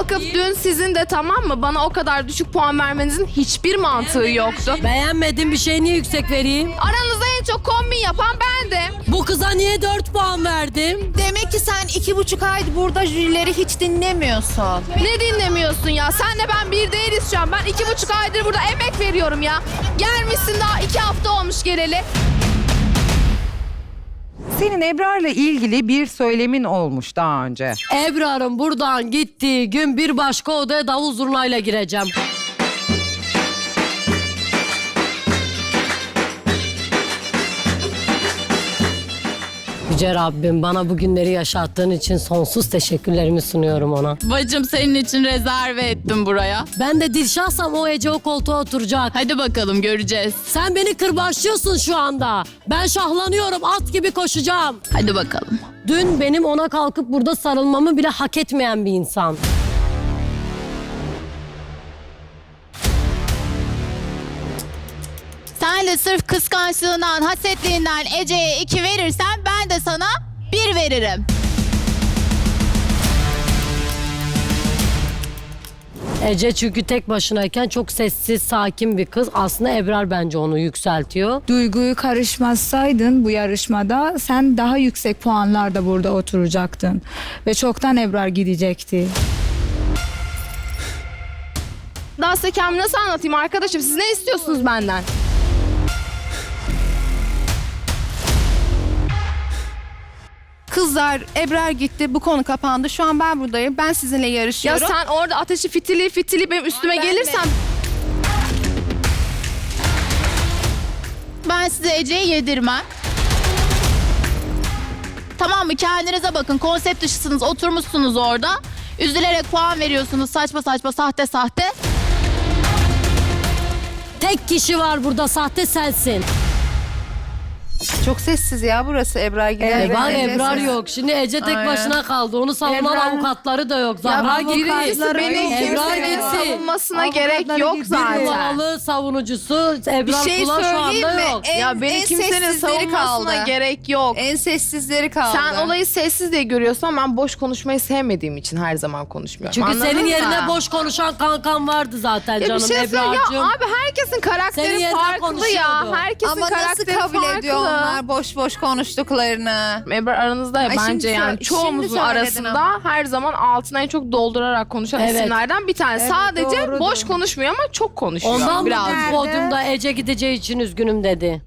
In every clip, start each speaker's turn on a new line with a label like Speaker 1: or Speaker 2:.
Speaker 1: Kalkıp dün sizin de tamam mı bana o kadar düşük puan vermenizin hiçbir mantığı yoktu.
Speaker 2: Beğenmediğim bir şey niye yüksek vereyim?
Speaker 1: Aranızda en çok kombin yapan bendim.
Speaker 2: Bu kıza niye 4 puan verdim?
Speaker 3: Demek ki sen 2,5 aydır burada jürileri hiç dinlemiyorsun.
Speaker 1: Ne dinlemiyorsun ya? Senle ben bir değiliz şu an. Ben 2,5 aydır burada emek veriyorum ya. Gelmişsin daha 2 hafta olmuş geleli.
Speaker 4: Senin Ebrar'la ilgili bir söylemin olmuş daha önce.
Speaker 2: Ebrar'ın buradan gittiği gün bir başka odaya davul zurnayla gireceğim. Yüce Rabbim bana bu günleri yaşattığın için sonsuz teşekkürlerimi sunuyorum ona.
Speaker 5: Bacım senin için rezerve ettim buraya.
Speaker 2: Ben de Dilşah'sam o Ece o koltuğa oturacak.
Speaker 5: Hadi bakalım göreceğiz.
Speaker 2: Sen beni kırbaçlıyorsun şu anda. Ben şahlanıyorum, at gibi koşacağım.
Speaker 5: Hadi bakalım.
Speaker 2: Dün benim ona kalkıp burada sarılmamı bile hak etmeyen bir insan.
Speaker 6: Sen de sırf kıskançlığından, hasetliğinden Ece'ye 2 verirsen ben de sana 1 veririm.
Speaker 2: Ece çünkü tek başınayken çok sessiz, sakin bir kız. Aslında Ebrar bence onu yükseltiyor.
Speaker 7: Duyguyu karışmazsaydın bu yarışmada sen daha yüksek puanlarda burada oturacaktın. Ve çoktan Ebrar gidecekti.
Speaker 1: Daha size kendimi nasıl anlatayım arkadaşım? Siz ne istiyorsunuz benden?
Speaker 3: Kızlar, Ebrar gitti. Bu konu kapandı. Şu an ben buradayım. Ben sizinle
Speaker 1: Ya
Speaker 3: yarışıyorum.
Speaker 1: sen orada ateşi fitili benim üstüme
Speaker 3: Ben
Speaker 1: gelirsen...
Speaker 6: Ben size Ece'yi yedirmem. Tamam mı? Kendinize bakın. Konsept dışısınız. Oturmuşsunuz orada. Üzülerek puan veriyorsunuz. Saçma saçma, sahte sahte.
Speaker 2: Tek kişi var burada, sahte sensin.
Speaker 3: Çok sessiz ya burası Ebrar gider.
Speaker 2: Bak
Speaker 3: Ece
Speaker 2: Ebrar
Speaker 3: sessiz.
Speaker 2: yok. Şimdi Ece tek
Speaker 3: Aynen.
Speaker 2: başına kaldı. Onu savunan
Speaker 7: Ebrar-
Speaker 2: avukatları da yok. Zahra gitti.
Speaker 1: Birincisi beni
Speaker 2: Ebrar
Speaker 1: kimsenin
Speaker 2: gitti.
Speaker 1: savunmasına
Speaker 7: Avukatları
Speaker 1: gerek yok
Speaker 7: gitti.
Speaker 2: Bir
Speaker 1: zaten.
Speaker 2: numaralı savunucusu Ebrar
Speaker 3: Bir şey
Speaker 2: Kula şu
Speaker 3: söyleyeyim
Speaker 2: anda
Speaker 3: mi?
Speaker 2: yok.
Speaker 1: Ya beni
Speaker 3: en
Speaker 1: kimsenin
Speaker 3: sessizleri
Speaker 1: savunmasına
Speaker 3: kaldı.
Speaker 1: gerek yok.
Speaker 3: En sessizleri kaldı.
Speaker 1: Sen olayı sessiz diye görüyorsun ama ben boş konuşmayı sevmediğim için her zaman konuşmuyorum.
Speaker 2: Çünkü
Speaker 1: Anladın
Speaker 2: senin
Speaker 1: mı?
Speaker 2: yerine boş konuşan kankan vardı zaten
Speaker 1: Ya bir
Speaker 2: canım
Speaker 1: şey söyleyeyim
Speaker 2: Ebrar'cığım.
Speaker 1: ya abi herkesin
Speaker 2: Senin
Speaker 1: karakteri
Speaker 2: yerine
Speaker 1: farklı ya.
Speaker 2: konuşuyordu.
Speaker 1: Herkesin
Speaker 3: Ama nasıl
Speaker 1: karakteri
Speaker 3: kabul
Speaker 1: farklı.
Speaker 3: ediyor onlar boş boş konuştuklarını?
Speaker 1: Ebrar aranızda ya
Speaker 3: Ay şimdi
Speaker 1: bence yani
Speaker 3: şimdi
Speaker 1: çoğumuzun
Speaker 3: söyledin
Speaker 1: arasında
Speaker 3: ama.
Speaker 1: her zaman altına en çok doldurarak konuşan
Speaker 2: Evet.
Speaker 1: isimlerden bir tanesi. Sadece
Speaker 7: doğrudur.
Speaker 1: boş konuşmuyor ama çok konuşuyor.
Speaker 2: Ondan mı
Speaker 1: biraz.
Speaker 2: bu podyumda Ece gideceği için üzgünüm dedi.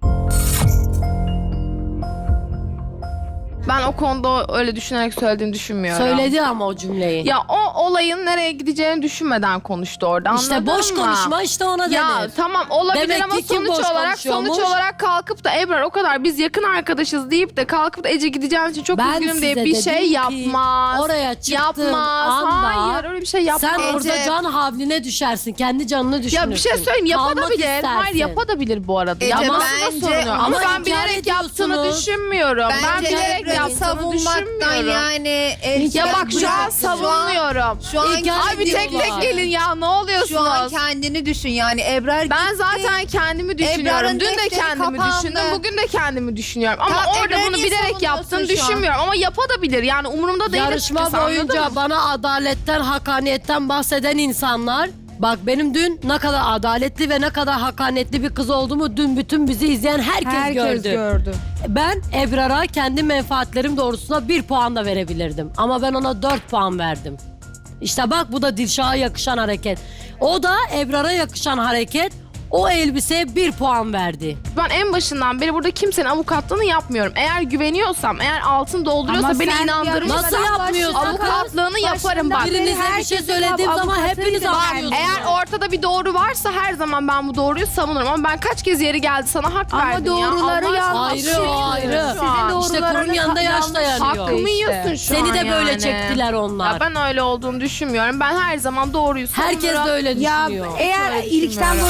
Speaker 1: Ben o konuda öyle düşünerek söylediğini düşünmüyorum.
Speaker 2: Söyledi ama o cümleyi.
Speaker 1: Ya o olayın nereye gideceğini düşünmeden konuştu orada.
Speaker 2: İşte
Speaker 1: anladın
Speaker 2: boş
Speaker 1: mı?
Speaker 2: konuşma işte ona denir.
Speaker 1: Ya tamam olabilir
Speaker 2: Demek
Speaker 1: ama
Speaker 2: ki kim boş
Speaker 1: sonuç
Speaker 2: konuşuyormuş?
Speaker 1: olarak kalkıp da Ebrar o kadar biz yakın arkadaşız deyip de kalkıp da Ece gideceğin için çok
Speaker 2: Ben
Speaker 1: üzgünüm diye
Speaker 2: size
Speaker 1: bir
Speaker 2: dedim
Speaker 1: şey
Speaker 2: ki,
Speaker 1: yapmaz.
Speaker 2: oraya çıktığın
Speaker 1: yapmaz.
Speaker 2: anda
Speaker 1: Hayır öyle bir şey yapmaz.
Speaker 2: Sen orada
Speaker 3: Ece-
Speaker 2: can havline düşersin. Kendi canını düşünürsün.
Speaker 1: Ya bir şey söyleyeyim
Speaker 2: Kalmak
Speaker 1: yapabilir. Hayır
Speaker 2: istersin.
Speaker 1: yapabilir bu arada.
Speaker 3: Ece,
Speaker 1: Yapması
Speaker 3: bence-
Speaker 1: da sorun yok. Ama
Speaker 2: Ama
Speaker 1: ben
Speaker 2: inkar
Speaker 1: bilerek yaptığını
Speaker 2: ediyorsunuz.
Speaker 1: düşünmüyorum. Ben
Speaker 3: Bence
Speaker 1: bilerek
Speaker 3: Ebrar'ı
Speaker 1: yaptığını
Speaker 3: savunmaktan
Speaker 1: düşünmüyorum.
Speaker 3: yani...
Speaker 1: Ya bak şu an
Speaker 3: bırak.
Speaker 1: savunuyorum.
Speaker 3: Şu an
Speaker 2: İnkar
Speaker 1: Abi tek tek
Speaker 2: ediyorlar.
Speaker 1: gelin ya ne oluyorsunuz?
Speaker 3: Şu an kendini düşün yani Ebrar
Speaker 1: Ben
Speaker 3: gitti.
Speaker 1: zaten kendimi düşünüyorum.
Speaker 3: Ebrar'ın
Speaker 1: Dün de
Speaker 3: defteri
Speaker 1: kendimi
Speaker 3: kapandı.
Speaker 1: düşündüm. Bugün de kendimi düşünüyorum. Ama
Speaker 3: Tamam,
Speaker 1: orada
Speaker 3: Ebrar'ı
Speaker 1: bunu
Speaker 3: niye
Speaker 1: bilerek
Speaker 3: savunuyorsun
Speaker 1: yaptığını
Speaker 3: şu an?
Speaker 1: düşünmüyorum. Ama yapabilir. Yani umurumda değil
Speaker 2: Yarışma
Speaker 1: açıkçası, anladın
Speaker 2: boyunca
Speaker 1: mı?
Speaker 2: bana adaletten, hakaniyetten bahseden insanlar... Bak benim dün ne kadar adaletli ve ne kadar hakaniyetli bir kız olduğumu dün bütün bizi izleyen herkes gördü. Ben Ebrar'a kendi menfaatlerim doğrultusunda 1 puan da verebilirdim. Ama ben ona 4 puan verdim. İşte bak bu da Dilşah'a yakışan hareket. O da Ebrar'a yakışan hareket. O elbiseye 1 puan verdi.
Speaker 1: Ben en başından beri burada kimsenin avukatlığını yapmıyorum. Eğer güveniyorsam, eğer altın dolduruyorsa
Speaker 7: Ama
Speaker 1: beni
Speaker 7: sen
Speaker 1: inandırırsa
Speaker 2: Nasıl yapmıyorsun?
Speaker 1: avukatlığını yaparım bak.
Speaker 2: Birinize bir şey söylediğim zaman hepiniz anlıyorsunuz.
Speaker 1: Eğer ortada bir doğru varsa her zaman ben bu doğruyu savunurum. Ama ben kaç kez yeri geldi sana hak
Speaker 7: Ama
Speaker 1: verdim ya.
Speaker 7: doğruları
Speaker 1: Allah
Speaker 7: yanlış.
Speaker 1: aşkına.
Speaker 2: Ayrı o ayrı.
Speaker 1: Şu an.
Speaker 2: İşte kurun yanında yaş dayanıyor.
Speaker 1: Hakkımı yiyorsun şu
Speaker 2: Seni
Speaker 1: an
Speaker 2: de böyle
Speaker 1: yani.
Speaker 2: çektiler onlar.
Speaker 1: Ya ben öyle olduğunu düşünmüyorum. Ben her zaman doğruyu savunurum.
Speaker 2: Herkes de öyle
Speaker 7: Ya
Speaker 2: düşünüyor.
Speaker 7: eğer
Speaker 1: öyle
Speaker 7: ilkten
Speaker 1: düşünmüyorum.
Speaker 7: böyle düşünsen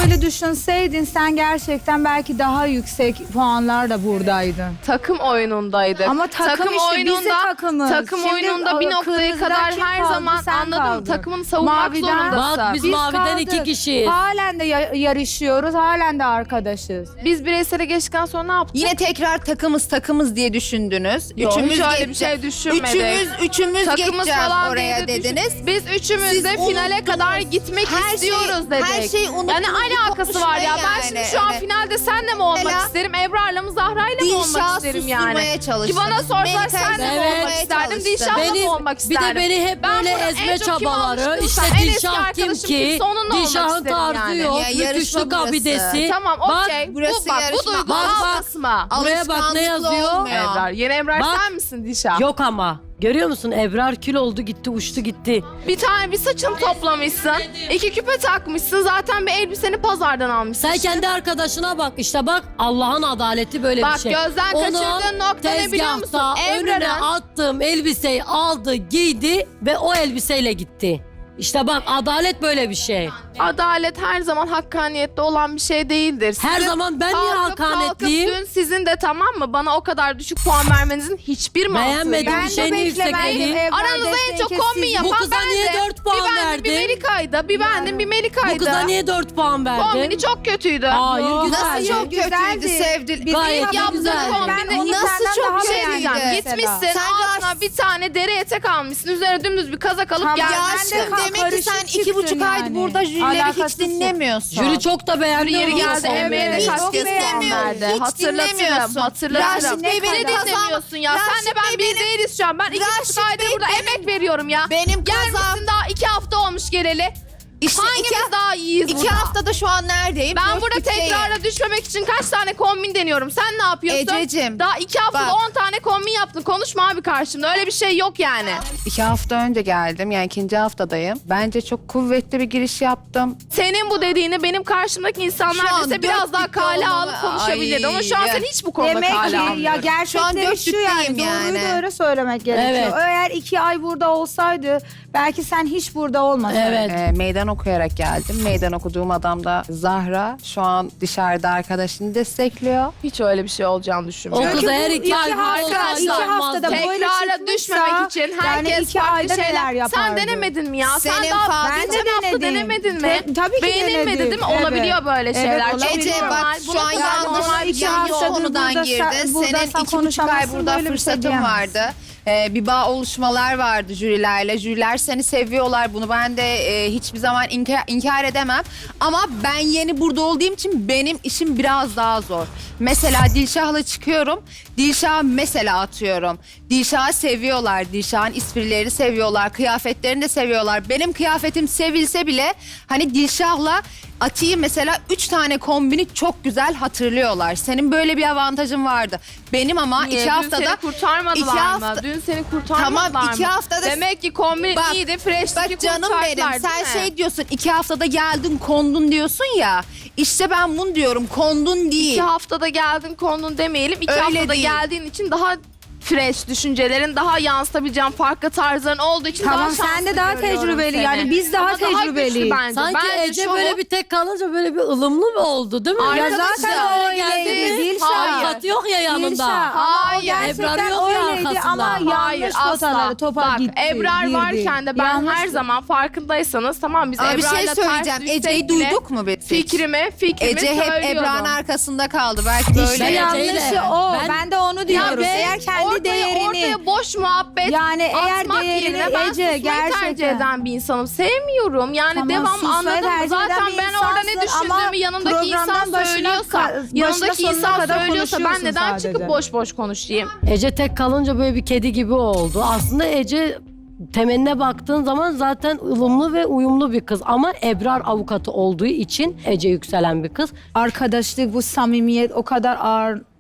Speaker 7: dönseydin sen gerçekten belki daha yüksek puanlarla buradaydın.
Speaker 1: Takım oyunundaydık.
Speaker 7: Ama takım işte, biz de takımız.
Speaker 1: Takım
Speaker 7: Şimdi
Speaker 1: oyununda bir noktaya
Speaker 7: kırmızıdan
Speaker 1: kadar
Speaker 7: kim
Speaker 1: her
Speaker 7: kaldı?
Speaker 1: zaman
Speaker 7: Sen
Speaker 1: anladım.
Speaker 7: kaldın.
Speaker 1: Takımını savunmak
Speaker 7: Maviden-
Speaker 1: zorundasın.
Speaker 2: Bak biz maviden
Speaker 7: kaldık.
Speaker 2: 2 kişiyiz.
Speaker 7: Halen de yarışıyoruz, halen de arkadaşız.
Speaker 1: Biz bireysele geçtikten sonra ne yaptık?
Speaker 3: Yine tekrar takımız diye düşündünüz.
Speaker 1: Yok,
Speaker 3: Üçümüz
Speaker 1: hiç öyle bir
Speaker 3: geçeceğiz.
Speaker 1: şey düşünmedik.
Speaker 3: Üçümüz
Speaker 1: Takımız
Speaker 3: geçeceğiz
Speaker 1: falan
Speaker 3: oraya
Speaker 1: diye de
Speaker 3: dediniz.
Speaker 1: Biz üçümüz
Speaker 3: Siz
Speaker 1: de finale
Speaker 3: unuttunuz.
Speaker 1: kadar gitmek
Speaker 3: Her
Speaker 1: istiyoruz
Speaker 3: şey-
Speaker 1: dedik.
Speaker 3: her şey unuttunuz.
Speaker 1: Yani alakası var ya. Ben şimdi şu an finalde senle mi olmak
Speaker 3: Mesela-
Speaker 1: isterim? Ebrar'la mı Zahra'yla mı olmak
Speaker 3: Dilşah'ı
Speaker 1: isterim
Speaker 3: susturmaya
Speaker 1: yani?
Speaker 3: çalıştınız.
Speaker 1: Ki bana sorsalar
Speaker 3: Melike'yi
Speaker 1: senle mi
Speaker 2: Evet.
Speaker 1: olmak isterdim?
Speaker 3: çalıştın.
Speaker 1: Dilşah'la
Speaker 2: Benim-
Speaker 1: mı olmak
Speaker 2: bir de
Speaker 1: isterdim?
Speaker 2: beni hep
Speaker 1: Ben
Speaker 2: böyle
Speaker 1: burada en
Speaker 2: ezme
Speaker 1: çok kim
Speaker 2: çabaları,
Speaker 1: almıştım?
Speaker 2: işte
Speaker 1: En eski
Speaker 2: Dilşah kim
Speaker 1: arkadaşım
Speaker 2: ki,
Speaker 1: kimse onunla olmak
Speaker 2: Dilşah'ın
Speaker 1: isterim
Speaker 2: tarzı
Speaker 1: yani.
Speaker 2: yok,
Speaker 3: Ya yarışma
Speaker 2: rüküşlük
Speaker 3: burası.
Speaker 2: abidesi.
Speaker 1: Tamam
Speaker 2: Bak,
Speaker 1: okey.
Speaker 3: burası
Speaker 1: Bu
Speaker 3: yarışma.
Speaker 1: duygu
Speaker 2: Bak, bak.
Speaker 1: almasma.
Speaker 2: Buraya bak ne
Speaker 3: Alışkanlıklı
Speaker 2: yazıyor?
Speaker 3: olmuyor.
Speaker 1: Ebrar. Yeni Ebrar
Speaker 2: Bak.
Speaker 1: sen misin Dilşah?
Speaker 2: Yok ama. Görüyor musun? Ebrar kül oldu gitti, uçtu gitti.
Speaker 1: Bir saçını toplamışsın. 2 küpe takmışsın. Zaten bir elbiseni pazardan almışsın.
Speaker 2: Sen kendi arkadaşına bak. İşte bak Allah'ın adaleti böyle
Speaker 1: Bak,
Speaker 2: bir şey.
Speaker 1: gözden kaçırdığın nokta ne biliyor musun?
Speaker 2: tezgahta önüne
Speaker 1: Ebrar'ın-
Speaker 2: attığım elbiseyi aldı, giydi ve o elbiseyle gitti. İşte bak adalet böyle bir şey.
Speaker 1: Adalet her zaman hakkaniyette olan bir şey değildir.
Speaker 2: Her
Speaker 1: Sizin
Speaker 2: zaman ben niye
Speaker 1: kalkıp
Speaker 2: hakanetliyim?
Speaker 1: dün sizin de tamam mı bana o kadar düşük puan vermenizin hiçbir mantığı yok.
Speaker 2: Beğenmedim
Speaker 7: Ben
Speaker 2: bir
Speaker 7: de
Speaker 2: şey niye
Speaker 7: beklemezdim.
Speaker 2: yüksekledin?
Speaker 7: Ebrar
Speaker 1: Aranızda en çok
Speaker 7: Destenke
Speaker 1: kombin
Speaker 7: siz-
Speaker 1: yapan
Speaker 2: Bu kıza niye
Speaker 1: bendim.
Speaker 2: 4 puan
Speaker 1: Bir bendim, bir
Speaker 2: verdin?
Speaker 1: Melika'ydı. Bir bendim, bir Melika'ydı.
Speaker 2: Bu kıza niye 4 puan verdin?
Speaker 1: Kombini çok kötüydü.
Speaker 2: Hayır
Speaker 7: Yok,
Speaker 2: güzeldi.
Speaker 3: Nasıl çok kötüydü
Speaker 7: Güzeldi.
Speaker 3: sevdil.
Speaker 7: Bizim
Speaker 2: Gayet de
Speaker 1: yaptığın
Speaker 2: güzeldi.
Speaker 1: kombini
Speaker 7: Ben onu
Speaker 3: Nasıl
Speaker 7: senden
Speaker 3: çok
Speaker 7: daha
Speaker 3: bir şey
Speaker 7: beğendim
Speaker 3: diyeceğim.
Speaker 7: mesela.
Speaker 1: Gitmişsin
Speaker 3: Sen
Speaker 1: altına bir tane deri etek almışsın. Üzerine dümdüz bir kazak alıp
Speaker 7: Tamam,
Speaker 3: Ya
Speaker 1: gelmişsin.
Speaker 7: ben de
Speaker 3: aşkım demek ki sen
Speaker 7: karışık
Speaker 3: 2,5
Speaker 7: çıktın
Speaker 3: aydır
Speaker 7: yani.
Speaker 3: burada jürileri hiç
Speaker 7: Alakasızsın.
Speaker 3: dinlemiyorsun.
Speaker 2: Jüri çok da beğendi.
Speaker 1: Yeri
Speaker 2: onu.
Speaker 1: geldi emeğine
Speaker 3: Hiç
Speaker 1: kaç kez puan
Speaker 3: dinlemiyorum.
Speaker 1: verdi.
Speaker 3: Hiç
Speaker 1: Hatırlatırım,
Speaker 3: dinlemiyorsun.
Speaker 1: hatırlatırım.
Speaker 3: Raşit Bey
Speaker 1: Beni
Speaker 3: beni
Speaker 1: dinlemiyorsun ya.
Speaker 3: Raşit
Speaker 1: Senle ben
Speaker 3: Bey
Speaker 1: bir
Speaker 3: benim-
Speaker 1: değiliz şu an. Ben 2,5
Speaker 3: Raşit
Speaker 1: aydır
Speaker 3: Bey
Speaker 1: burada
Speaker 3: benim-
Speaker 1: emek veriyorum ya.
Speaker 3: Benim
Speaker 1: Gelmişsin
Speaker 3: kazam.
Speaker 1: daha 2 hafta olmuş geleli.
Speaker 3: İşte
Speaker 1: Hangimiz daha iyiyiz
Speaker 3: 2
Speaker 1: burada?
Speaker 3: haftada şu an neredeyim?
Speaker 1: Ben
Speaker 3: Dört
Speaker 1: burada
Speaker 3: bütçeyim.
Speaker 1: tekrara düşmemek için kaç tane kombin deniyorum. Sen ne yapıyorsun?
Speaker 3: Ececiğim,
Speaker 1: Daha 2 haftada
Speaker 3: bak.
Speaker 1: 10 tane kombin yaptın. Konuşma abi karşımda. Öyle bir şey yok yani.
Speaker 3: 2 hafta önce geldim. Yani 2. haftadayım. Bence çok kuvvetli bir giriş yaptım.
Speaker 1: Senin bu dediğini benim karşımdaki
Speaker 3: Şu
Speaker 1: insanlar
Speaker 3: an
Speaker 1: dese biraz
Speaker 3: dört
Speaker 1: daha
Speaker 3: bitti
Speaker 1: kale
Speaker 3: olmalı.
Speaker 1: alıp konuşabilirdi. Ama şu an
Speaker 3: Ay,
Speaker 1: sen hiç bu konuda
Speaker 7: Demek
Speaker 1: kale
Speaker 7: ki ya
Speaker 3: Şu an
Speaker 7: gerçekleri
Speaker 3: dört
Speaker 7: şu yani,
Speaker 3: dütteyim yani.
Speaker 7: doğruyu doğru söylemek gerekiyor.
Speaker 2: Evet.
Speaker 7: Eğer 2 ay burada olsaydı belki sen hiç burada olmasaydın.
Speaker 2: Evet.
Speaker 3: Meydan okuyarak geldim. Meydan okuduğum adam da Zahra. Şu an dışarıda arkadaşını destekliyor.
Speaker 1: Hiç öyle bir şey olacağını
Speaker 2: O
Speaker 1: düşünmüyorum.
Speaker 2: kız her
Speaker 7: bu
Speaker 2: 2 ay burada
Speaker 1: arkadaşlar,
Speaker 2: olsaydı
Speaker 7: iki
Speaker 2: olmazdı.
Speaker 7: haftada böyle
Speaker 1: Tekrara
Speaker 7: çıkmışsa,
Speaker 1: düşmemek için
Speaker 7: yani
Speaker 1: herkes
Speaker 7: 2
Speaker 1: farklı
Speaker 7: ayda neler
Speaker 1: şeyler.
Speaker 7: yapardı?
Speaker 1: Sen denemedin mi ya?
Speaker 3: Senin
Speaker 1: Sen daha
Speaker 3: farklı-
Speaker 7: Ben de
Speaker 1: geçen hafta
Speaker 7: denedim.
Speaker 1: denemedin mi?
Speaker 7: Tabii ki
Speaker 1: Beğenilmedi
Speaker 7: denedim.
Speaker 1: değil mi? Olabiliyor böyle
Speaker 7: Evet,
Speaker 1: şeyler.
Speaker 7: olabiliyor.
Speaker 1: Çok
Speaker 3: Ece
Speaker 1: normal.
Speaker 3: bak
Speaker 1: Bunu
Speaker 3: şu an
Speaker 1: kullanmak
Speaker 3: yanlış,
Speaker 1: normal bir şey
Speaker 7: iki
Speaker 3: yanlış
Speaker 1: yok.
Speaker 7: haftadır
Speaker 3: konudan
Speaker 7: burada
Speaker 3: girdin.
Speaker 7: sen- burada
Speaker 3: Senin
Speaker 7: sen
Speaker 3: 2,5 ay
Speaker 7: konuşamazsın,
Speaker 3: burada
Speaker 7: böyle bir şey
Speaker 3: fırsatın
Speaker 7: diyemezsin.
Speaker 3: vardı. Bir bağ oluşmalar vardı jürilerle. Jüriler seni seviyorlar. Bunu ben de hiçbir zaman inkar edemem. Ama ben yeni burada olduğum için benim işim biraz daha zor. Mesela Dilşah'la çıkıyorum. Dilşah'ı mesela atıyorum. Dilşah'ı seviyorlar. Dilşah'ın esprilerini seviyorlar. Kıyafetlerini de seviyorlar. Benim kıyafetim sevilse bile hani Dilşah'la Ati'yi mesela 3 tane kombini çok güzel hatırlıyorlar. Senin böyle bir avantajın vardı. Benim ama
Speaker 1: Niye?
Speaker 3: 2
Speaker 1: Dün
Speaker 3: haftada...
Speaker 1: seni kurtarmadılar
Speaker 3: iki
Speaker 1: mı?
Speaker 3: hafta-
Speaker 1: Dün seni kurtarmadılar
Speaker 3: Tamam,
Speaker 1: mı?
Speaker 3: 2 haftada...
Speaker 1: Demek ki kombin
Speaker 3: Bak,
Speaker 1: iyiydi. Fresh'teki
Speaker 3: Bak canım benim,
Speaker 1: kurtardılar,
Speaker 3: sen
Speaker 1: değil mi?
Speaker 3: şey diyorsun, 2 haftada geldin kondun diyorsun ya. İşte ben bunu diyorum, kondun değil.
Speaker 1: 2 haftada geldin kondun demeyelim. 2
Speaker 3: Öyle
Speaker 1: haftada
Speaker 3: değil.
Speaker 1: geldiğin için daha fresh düşüncelerin, daha yansıtabileceğin farklı tarzların olduğu için
Speaker 7: Tamam,
Speaker 1: daha
Speaker 7: sen
Speaker 1: şanslı
Speaker 7: de daha
Speaker 1: görüyorum
Speaker 7: tecrübeli.
Speaker 1: seni.
Speaker 7: Yani biz daha
Speaker 1: Ama
Speaker 7: tecrübeliyiz.
Speaker 1: güçlü bence.
Speaker 2: Sanki
Speaker 1: Bence
Speaker 2: Ece
Speaker 1: şovu-
Speaker 2: böyle bir tek kalınca böyle bir ılımlı mı oldu değil mi?
Speaker 1: Ay,
Speaker 7: Ya
Speaker 1: Arkadaşlar,
Speaker 7: zaten
Speaker 2: geldi
Speaker 7: öyleydi.
Speaker 2: mi?
Speaker 7: Dilşah.
Speaker 2: Avukat yok ya yanında.
Speaker 7: Dilşah. Ama o
Speaker 1: Hayır,
Speaker 7: gerçekten
Speaker 2: Ebrar yok ya
Speaker 7: öyleydi
Speaker 2: arkasında.
Speaker 7: ama
Speaker 1: Hayır,
Speaker 7: yanlış
Speaker 1: asla.
Speaker 7: potaları topa
Speaker 1: Bak,
Speaker 7: gitti.
Speaker 1: Ebrar
Speaker 7: girdi.
Speaker 1: varken de ben
Speaker 7: Yanlış-
Speaker 1: her zaman farkındaysanız tamam biz
Speaker 3: Ama bir
Speaker 1: Ebrar'la
Speaker 3: şey
Speaker 1: ters
Speaker 3: söyleyeceğim.
Speaker 1: düşsek
Speaker 3: Ece'yi
Speaker 1: bile
Speaker 3: duyduk mu biz?
Speaker 1: Fikrimi
Speaker 3: Ece hep
Speaker 1: söylüyorum.
Speaker 3: Ebrar'ın arkasında kaldı. Belki böyle.
Speaker 7: İşte
Speaker 2: Ben
Speaker 7: yanlışı
Speaker 2: Ece'yle-
Speaker 7: o.
Speaker 2: ben-
Speaker 7: Ben de onu diyorum.
Speaker 1: Ya
Speaker 7: Eğer kendi
Speaker 1: ortaya boş muhabbet
Speaker 7: Yani eğer
Speaker 1: atmak
Speaker 7: değerini
Speaker 1: yerine ben
Speaker 7: Ece
Speaker 1: susmayı tercih
Speaker 7: gerçekten-
Speaker 1: eden bir insanım. Sevmiyorum. Yani
Speaker 7: Tamam,
Speaker 1: devam
Speaker 7: susmayı
Speaker 1: anladın mı?
Speaker 7: tercih
Speaker 1: Zaten
Speaker 7: eden bir
Speaker 1: ben orada ne
Speaker 7: insansın ama
Speaker 1: düşündüğümü yanımdaki insan
Speaker 7: programdan başına
Speaker 1: söylüyorsa, yanımdaki
Speaker 7: sonuna
Speaker 1: insan
Speaker 7: kadar
Speaker 1: söylüyorsa ben
Speaker 7: konuşuyorsun
Speaker 1: neden
Speaker 7: sadece.
Speaker 1: çıkıp boş boş konuşayım?
Speaker 2: Ece tek kalınca böyle bir kedi gibi oldu. Aslında Ece temeline baktığın zaman zaten ılımlı ve uyumlu bir kız. Ama Ebrar avukatı olduğu için Ece yükselen bir kız.
Speaker 7: Arkadaşlık, bu samimiyet o kadar ağır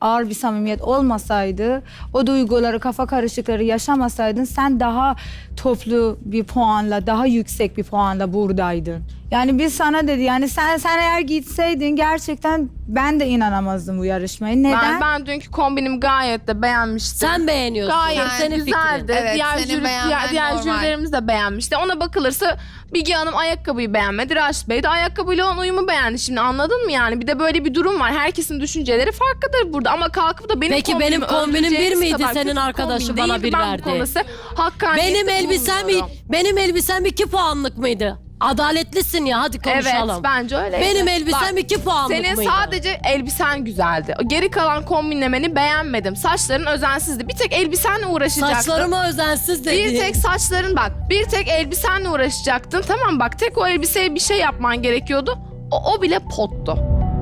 Speaker 7: ağır bir samimiyet olmasaydı, o duyguları, kafa karışıkları yaşamasaydın sen daha toplu bir puanla, daha yüksek bir puanla buradaydın. Yani biz sana dedi yani sen eğer gitseydin gerçekten ben de inanamazdım bu yarışmaya. Neden?
Speaker 1: Ben dünkü kombinimi gayet de beğenmiştim.
Speaker 2: Sen beğeniyorsun.
Speaker 1: Gayet
Speaker 2: Senin
Speaker 1: güzeldi.
Speaker 2: fikrin.
Speaker 3: Evet,
Speaker 1: diğer
Speaker 3: senin beğenmen
Speaker 1: diğer
Speaker 3: normal.
Speaker 1: jürilerimiz de beğenmişti. Ona bakılırsa Bilge Hanım ayakkabıyı beğenmedi. Raşit Bey de ayakkabıyla olan uyumu beğendi. Şimdi anladın mı yani? Bir de böyle bir durum var. Herkesin düşünceleri farklıdır burada. Ama kalkıp da benim
Speaker 2: Peki benim kombinim bir
Speaker 1: övdüreceğiniz
Speaker 2: miydi,
Speaker 1: kadar
Speaker 2: senin
Speaker 1: kötü
Speaker 2: arkadaşı
Speaker 1: kombin
Speaker 2: bana
Speaker 1: değildi.
Speaker 2: bir
Speaker 1: Ben bu
Speaker 2: verdi.
Speaker 1: konuda hakkaniyetle
Speaker 2: Benim elbisem 2 puanlık mıydı? Adaletlisin ya, hadi konuşalım.
Speaker 1: Evet, bence öyle.
Speaker 2: Benim elbisem 2 puanlık
Speaker 1: Senin
Speaker 2: mıydı?
Speaker 1: sadece elbisen güzeldi. Geri kalan kombinlemeni beğenmedim. Saçların özensizdi. Bir tek elbisenle uğraşacaktın.
Speaker 2: Saçlarıma özensiz dedi.
Speaker 1: Bir tek saçların bak. Bir tek elbisenle uğraşacaktın. Tamam bak, tek o elbiseye bir şey yapman gerekiyordu. O bile pottu.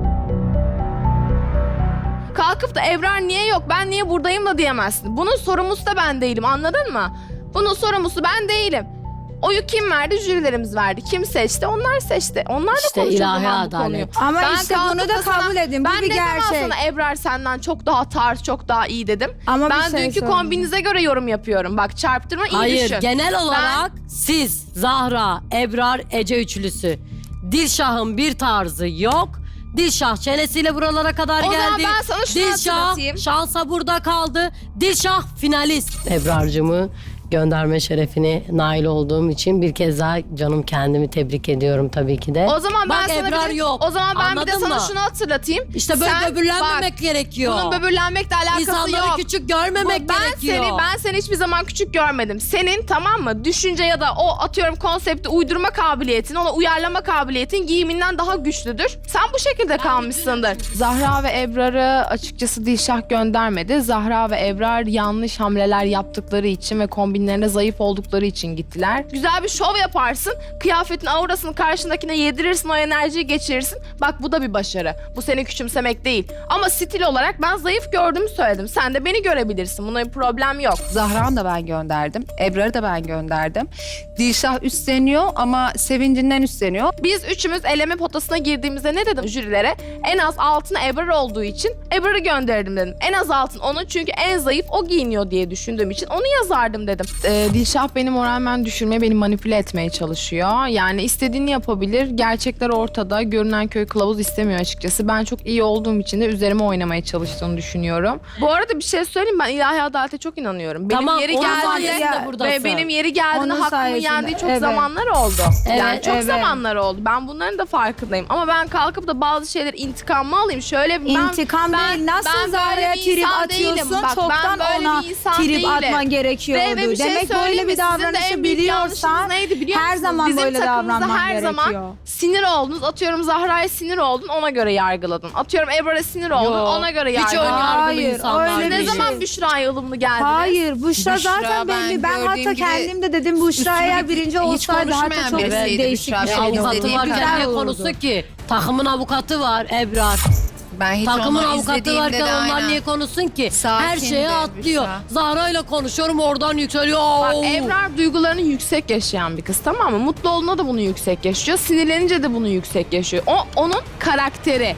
Speaker 1: Kalkıp da Ebrar niye yok, ben niye buradayım da diyemezsin. Bunun sorumlusu da ben değilim, anladın mı? Bunun sorumlusu ben değilim. Oyu kim verdi? Jürilerimiz verdi. Kim seçti? Onlar seçti. Onlar da
Speaker 2: İşte
Speaker 1: konuşalım
Speaker 2: ilahi
Speaker 1: bu konuyu.
Speaker 2: adalet.
Speaker 7: Ama
Speaker 1: Ben
Speaker 7: işte
Speaker 1: kalkıp
Speaker 7: bunu da kabul edin. Bu
Speaker 1: Ben
Speaker 7: bir
Speaker 1: ne zaman
Speaker 7: gerçek.
Speaker 1: sana Ebrar senden çok daha tarz, çok daha iyi dedim.
Speaker 7: Ama bir
Speaker 1: ben
Speaker 7: şey
Speaker 1: dünkü
Speaker 7: söyleyeyim.
Speaker 1: kombinize göre yorum yapıyorum. Bak çarptırma, iyi
Speaker 2: Hayır,
Speaker 1: düşün.
Speaker 2: genel olarak siz, Zahra, Ebrar, Ece üçlüsü. Dilşah'ın bir tarzı yok. Dilşah çenesiyle buralara kadar
Speaker 1: O
Speaker 2: geldi.
Speaker 1: zaman ben sana şunu hatırlatayım.
Speaker 2: Şansa burada kaldı. Dilşah finalist. Ebrar'cımı gönderme şerefine nail olduğum için bir kez daha canım kendimi tebrik ediyorum tabii ki de.
Speaker 1: O zaman ben
Speaker 2: Bak,
Speaker 1: sana
Speaker 2: Ebrar
Speaker 1: bir de,
Speaker 2: yok.
Speaker 1: O zaman ben bir de
Speaker 2: Anladın
Speaker 1: sana
Speaker 2: mı?
Speaker 1: şunu hatırlatayım.
Speaker 2: İşte böyle
Speaker 1: Sen
Speaker 2: böbürlenmemek
Speaker 1: bak,
Speaker 2: gerekiyor.
Speaker 1: Bunun böbürlenmekle alakası
Speaker 2: İnsanları
Speaker 1: yok.
Speaker 2: küçük görmemek gerekiyor.
Speaker 1: Ben seni hiçbir zaman küçük görmedim. Senin, tamam mı, düşünce ya da o atıyorum konsepti uydurma kabiliyetin, ona uyarlama kabiliyetin giyiminden daha güçlüdür. Sen bu şekilde kalmışsındır. Zahra ve Ebrar'ı açıkçası Dilşah göndermedi. Zahra ve Ebrar yanlış hamleler yaptıkları için ve kombinlerine zayıf oldukları için gittiler. Güzel bir şov yaparsın. Kıyafetin aurasını karşındakine yedirirsin, o enerjiyi geçirirsin. Bak bu da bir başarı. Bu seni küçümsemek değil. Ama stil olarak ben zayıf gördüğümü söyledim. Sen de beni görebilirsin. Buna bir problem yok.
Speaker 3: Zahra'nı da ben gönderdim. Ebrar'ı da ben gönderdim. Dilşah üstleniyor ama sevincinden üstleniyor.
Speaker 1: Biz üçümüz eleme potasına girdiğimizde ne dedim jürilere? En az altına Ebrar olduğu için Ebrar'ı gönderdim dedim. En az altın onun, çünkü en zayıf o giyiniyor diye düşündüğüm için onu yazardım dedim. Dilşah beni moralmen düşürmeye, beni manipüle etmeye çalışıyor. Yani istediğini yapabilir. Gerçekler ortada. Görünen köy kılavuz istemiyor açıkçası. Ben çok iyi olduğum için de üzerime oynamaya çalıştığını düşünüyorum. Bu arada bir şey söyleyeyim, ben ilahi adalete çok inanıyorum. Benim
Speaker 2: Tamam,
Speaker 1: yeri
Speaker 2: onun
Speaker 1: geldiğinde
Speaker 2: sayesinde buradasın.
Speaker 1: ve benim yeri geldiğinde
Speaker 7: Onun
Speaker 1: hakkımı
Speaker 7: sayesinde,
Speaker 1: yendiği çok
Speaker 7: evet.
Speaker 1: zamanlar oldu. Yani
Speaker 2: Evet,
Speaker 1: çok
Speaker 7: evet.
Speaker 1: zamanlar oldu. Ben bunların da farkındayım. Ama ben kalkıp da bazı şeyler intikamımı alayım. Şöyle bir
Speaker 7: İntikam değil. Nasıl
Speaker 1: ben
Speaker 7: Zahra'ya
Speaker 1: böyle bir
Speaker 7: trip
Speaker 1: insan
Speaker 7: atıyorsun?
Speaker 1: değilim. Bak,
Speaker 7: Çoktan
Speaker 1: ben böyle
Speaker 7: ona
Speaker 1: bir insan
Speaker 7: trip
Speaker 1: değilim.
Speaker 7: atman gerekiyordu.
Speaker 1: Ve bir şey
Speaker 7: Demek
Speaker 1: söyleyeyim
Speaker 7: böyle
Speaker 1: mi?
Speaker 7: bir
Speaker 1: Sizin de
Speaker 7: davranışı
Speaker 1: en büyük
Speaker 7: biliyorsan
Speaker 1: yanlışınız neydi biliyor
Speaker 7: her
Speaker 1: musunuz?
Speaker 7: zaman
Speaker 1: Bizim
Speaker 7: böyle
Speaker 1: takımımızda
Speaker 7: davranman
Speaker 1: her
Speaker 7: gerekiyor.
Speaker 1: zaman sinir oldunuz. Atıyorum Zahra'ya sinir oldun, ona göre yargıladın. Atıyorum Ebrar'a sinir oldun,
Speaker 2: Yo,
Speaker 1: ona göre
Speaker 2: hiç
Speaker 1: yargıladın.
Speaker 2: ön yargılı
Speaker 7: Hayır,
Speaker 2: insanlar
Speaker 7: öyle
Speaker 1: Ne
Speaker 2: değil.
Speaker 1: zaman Büşra'ya ılımlı geldiniz?
Speaker 7: Hayır, Büşra
Speaker 3: Büşra
Speaker 7: zaten
Speaker 3: ben
Speaker 7: belli. Ben
Speaker 3: gördüğüm
Speaker 7: hatta
Speaker 3: gibi
Speaker 7: kendim de dedim Büşra eğer
Speaker 3: üstünü
Speaker 7: birinci
Speaker 3: hiç
Speaker 7: olsaydı hatta
Speaker 3: konuşmayan
Speaker 7: çok
Speaker 3: birisiydi
Speaker 7: değişik
Speaker 3: Büşra.
Speaker 7: bir şey
Speaker 3: Benim
Speaker 2: Avukatı
Speaker 3: izlediğim
Speaker 2: varken
Speaker 7: Güzel
Speaker 2: niye
Speaker 7: olurdu.
Speaker 2: konusu ki? Takımın avukatı var Ebrar.
Speaker 3: Ben hiç
Speaker 2: Takımın
Speaker 3: onu
Speaker 2: avukatı
Speaker 3: izlediğimde
Speaker 2: varken
Speaker 3: de
Speaker 2: onlar
Speaker 3: aynen.
Speaker 2: niye konuşsun ki?
Speaker 3: Sakindi
Speaker 2: Her şeye atlıyor.
Speaker 3: Büşra.
Speaker 2: Zahra ile konuşuyorum, oradan yükseliyor.
Speaker 1: Bak,
Speaker 2: Oo.
Speaker 1: Ebrar duygularını yüksek yaşayan bir kız, tamam mı? Mutlu olduğunda da bunu yüksek yaşıyor. Sinirlenince de bunu yüksek yaşıyor. O onun karakteri.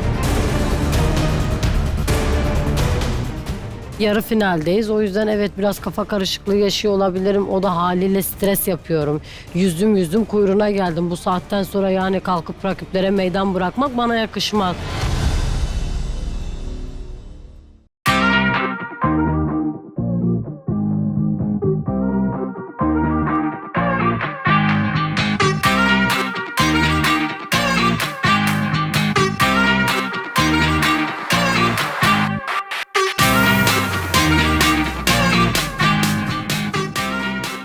Speaker 2: Yarı finaldeyiz. O yüzden evet biraz kafa karışıklığı yaşıyor olabilirim. O da haliyle stres yapıyorum. Yüzdüm kuyruğuna geldim. Bu saatten sonra yani kalkıp rakiplere meydan bırakmak bana yakışmaz.